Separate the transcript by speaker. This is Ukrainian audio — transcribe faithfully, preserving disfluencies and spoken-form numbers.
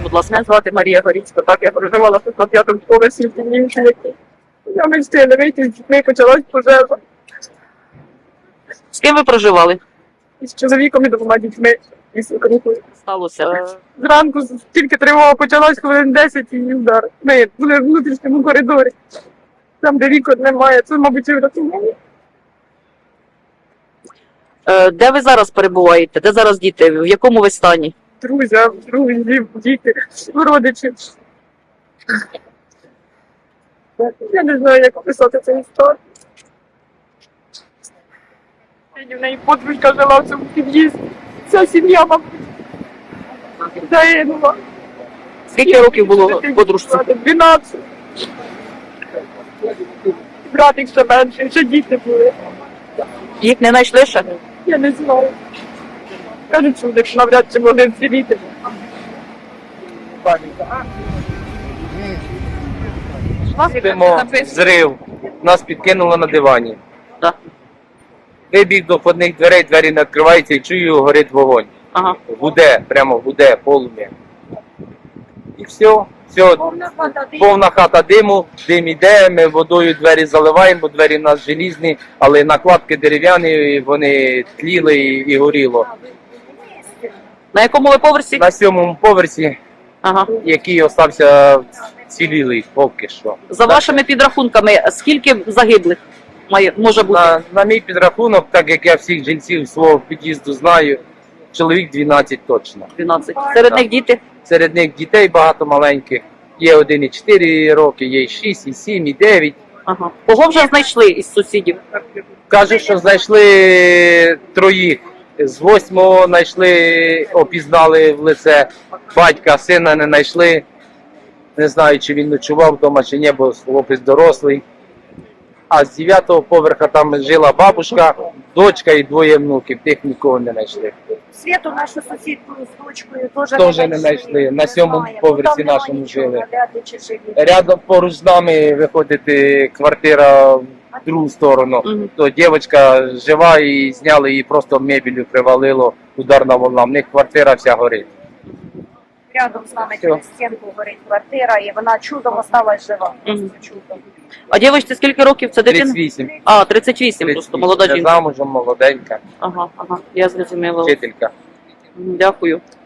Speaker 1: будь ласка.
Speaker 2: Мене звати Марія Горіцька, так, я проживала тут на п'ятому поверсі в Дівчинці. Я не встигла вийти, з дітьми почалась пожежа.
Speaker 1: З ким ви проживали?
Speaker 2: І з чоловіком і двома дітьми. І свекрухою.
Speaker 1: Сталося.
Speaker 2: Зранку тільки тривога почалась, хвилин десять і удар. Ми були в внутрішньому коридорі. Там, де вікон немає, це, мабуть, і врятувало.
Speaker 1: Е, Де ви зараз перебуваєте? Де зараз діти? В якому ви стані?
Speaker 2: Друзі, друзі, діти, родичі. Я не знаю, як описати цю історію. В неї подружка жила в цьому під'їзді. Вся сім'я, мабуть, загинула.
Speaker 1: Скільки років було подружці?
Speaker 2: дванадцять. Братик ще менший, ще діти були.
Speaker 1: Їх не знайшли ще?
Speaker 2: Я не знаю. Кажуть, що вони навряд чи могли вціліти.
Speaker 3: Спимо, зрив, нас підкинуло на дивані.
Speaker 1: Так.
Speaker 3: Вибіг до входних дверей, двері не відкриваються і чую, горить вогонь.
Speaker 1: Ага.
Speaker 3: Гуде, прямо гуде, полум'я. І все, все, повна хата диму, дим іде, ми водою двері заливаємо, бо двері в нас желізні, але накладки дерев'яні, вони тліли і, і горіло.
Speaker 1: На якому ви поверсі?
Speaker 3: На сьомому поверсі,
Speaker 1: Ага.
Speaker 3: який остався цілілий поки що.
Speaker 1: За вашими підрахунками, скільки загиблих має, може бути?
Speaker 3: На, на мій підрахунок, так як я всіх жильців свого під'їзду знаю, чоловік дванадцять точно.
Speaker 1: дванадцять. Серед них діти?
Speaker 3: Серед них дітей багато маленьких. Є один і чотири роки, є і шість, і сім, і дев'ять.
Speaker 1: Ага. Кого вже знайшли із сусідів?
Speaker 3: Кажуть, що знайшли троїх. З восьмого знайшли, опізнали в лице батька, сина не знайшли. Не знаю, чи він ночував вдома, чи ні, бо хлопець дорослий. А з дев'ятого поверха там жила бабушка, дочка і двоє внуків, тих нікого не знайшли.
Speaker 4: Світу нашу сусідку з дочкою теж
Speaker 3: Теж не знайшли. На сьомому
Speaker 4: Немає.
Speaker 3: поверсі
Speaker 4: Там нема
Speaker 3: нашому
Speaker 4: нічого,
Speaker 3: жили.
Speaker 4: вряд ли чи живі.
Speaker 3: Рядом поруч з нами виходить е, квартира в другу сторону.
Speaker 1: Мгм.
Speaker 3: То дівчинка жива і зняли її просто мебелью привалило, ударна волна. В них квартира вся горить.
Speaker 4: Рядом з нами
Speaker 3: Всьо.
Speaker 4: через стінку горить квартира, і вона чудом осталась жива.
Speaker 1: Мгм.
Speaker 4: Чудом.
Speaker 1: А дівчинці скільки років? Це дитина?
Speaker 3: тридцять вісім.
Speaker 1: А, тридцять вісім, просто молода
Speaker 3: Вже
Speaker 1: жінка.
Speaker 3: замужем, молоденька,
Speaker 1: Ага, ага, я зрозуміла.
Speaker 3: вчителька.
Speaker 1: Дякую.